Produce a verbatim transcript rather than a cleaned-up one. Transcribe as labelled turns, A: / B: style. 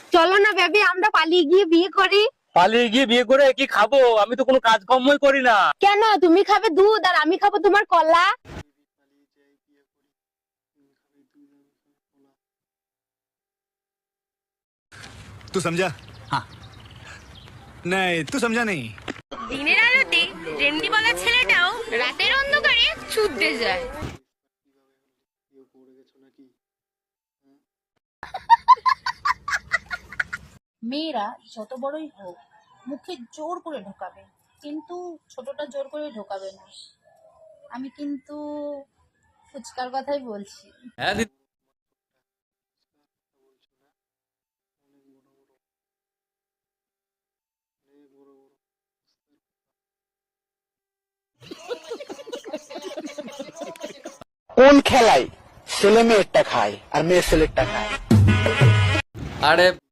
A: চলো না বেবি, আমরা পালিয়ে গিয়ে বিয়ে করি।
B: পালিয়ে গিয়ে বিয়ে করে কি খাবো? আমি তো কোনো কাজকর্মই করি না।
A: কেন? তুমি খাবে দুধ আর আমি খাবো তোমার কলা।
C: तू समझा? हाँ नहीं, तू समझा नहीं।
D: দিনের আলোতে রেন্ডি বলা ছেলেটাও রাতের অন্ধকারে ছুটতে যায়।
E: মেয়েরা যত বড়ই হোক মুখে জোর করে ঢোকাবে, কিন্তু ছোটটা জোর করে ঢোকাবে না। আমি কিন্তু ফুচকার কথাই বলছি।
B: হ্যাঁ দিদি।
F: কোন খেলায় ছেলে মেয়েরটা খায় আর মেয়ে ছেলেরটা খায়?
B: আরে